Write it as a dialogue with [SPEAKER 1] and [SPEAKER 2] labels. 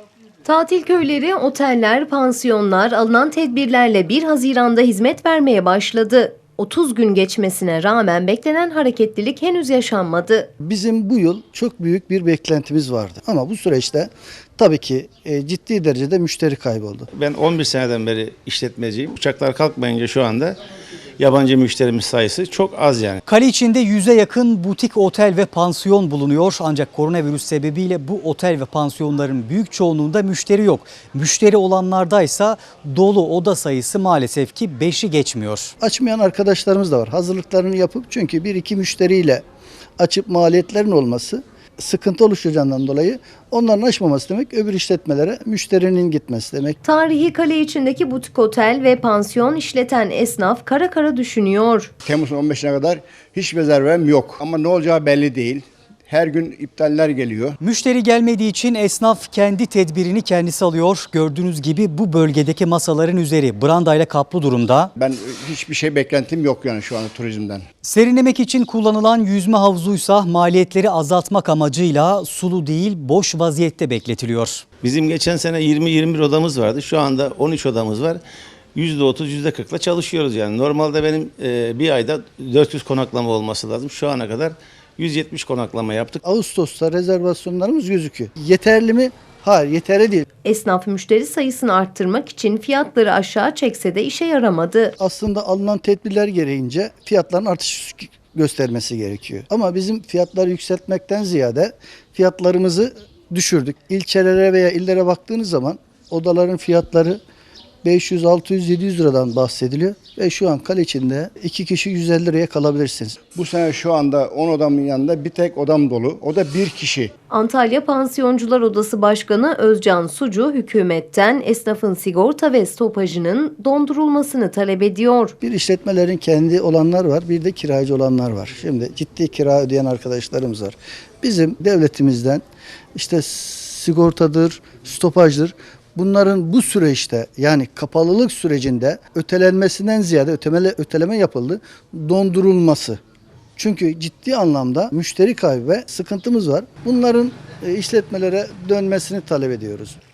[SPEAKER 1] Tatil köyleri, oteller, pansiyonlar alınan tedbirlerle 1 Haziran'da hizmet vermeye başladı. 30 gün geçmesine rağmen beklenen hareketlilik henüz yaşanmadı.
[SPEAKER 2] Bizim bu yıl çok büyük bir beklentimiz vardı. Ama bu süreçte tabii ki ciddi derecede müşteri kayboldu.
[SPEAKER 3] Ben 11 seneden beri işletmeciyim. Uçaklar kalkmayınca şu anda yabancı müşterimiz sayısı çok az yani.
[SPEAKER 4] Kale içinde 100'e yakın butik otel ve pansiyon bulunuyor. Ancak koronavirüs sebebiyle bu otel ve pansiyonların büyük çoğunluğunda müşteri yok. Müşteri olanlardaysa dolu oda sayısı maalesef ki 5'i geçmiyor.
[SPEAKER 2] Açmayan arkadaşlarımız da var. Hazırlıklarını yapıp çünkü 1-2 müşteriyle açıp maliyetlerin olması sıkıntı oluşacağından dolayı onların açmaması demek öbür işletmelere müşterinin gitmesi demek.
[SPEAKER 1] Tarihi kale içindeki butik otel ve pansiyon işleten esnaf kara kara düşünüyor.
[SPEAKER 5] Temmuz'un 15'ine kadar hiç rezervem yok ama ne olacağı belli değil. Her gün iptaller geliyor.
[SPEAKER 4] Müşteri gelmediği için esnaf kendi tedbirini kendisi alıyor. Gördüğünüz gibi bu bölgedeki masaların üzeri brandayla kaplı durumda.
[SPEAKER 5] Ben hiçbir şey beklentim yok yani şu anda turizmden.
[SPEAKER 4] Serinlemek için kullanılan yüzme havuzuysa maliyetleri azaltmak amacıyla sulu değil boş vaziyette bekletiliyor.
[SPEAKER 3] Bizim geçen sene 20-21 odamız vardı. Şu anda 13 odamız var. %30, %40'la çalışıyoruz yani. Normalde benim bir ayda 400 konaklama olması lazım. Şu ana kadar 170 konaklama yaptık.
[SPEAKER 2] Ağustos'ta rezervasyonlarımız gözüküyor. Yeterli mi? Hayır, yeterli değil.
[SPEAKER 1] Esnaf müşteri sayısını arttırmak için fiyatları aşağı çekse de işe yaramadı.
[SPEAKER 2] Aslında alınan tedbirler gereğince fiyatların artış göstermesi gerekiyor. Ama bizim fiyatları yükseltmekten ziyade fiyatlarımızı düşürdük. İlçelere veya illere baktığınız zaman odaların fiyatları 500, 600, 700 liradan bahsediliyor. Ve şu an kale içinde 2 kişi 150 liraya kalabilirsiniz.
[SPEAKER 5] Bu sene şu anda 10 odamın yanında bir tek odam dolu. O da bir kişi.
[SPEAKER 1] Antalya Pansiyoncular Odası Başkanı Özcan Sucu hükümetten esnafın sigorta ve stopajının dondurulmasını talep ediyor.
[SPEAKER 2] Bir işletmelerin kendi olanlar var, bir de kiracı olanlar var. Şimdi ciddi kira ödeyen arkadaşlarımız var. Bizim devletimizden işte sigortadır, stopajdır. Bunların bu süreçte yani kapalılık sürecinde ötelenmesinden ziyade öteleme yapıldı, dondurulması. Çünkü ciddi anlamda müşteri kaybı ve sıkıntımız var. Bunların işletmelere dönmesini talep ediyoruz.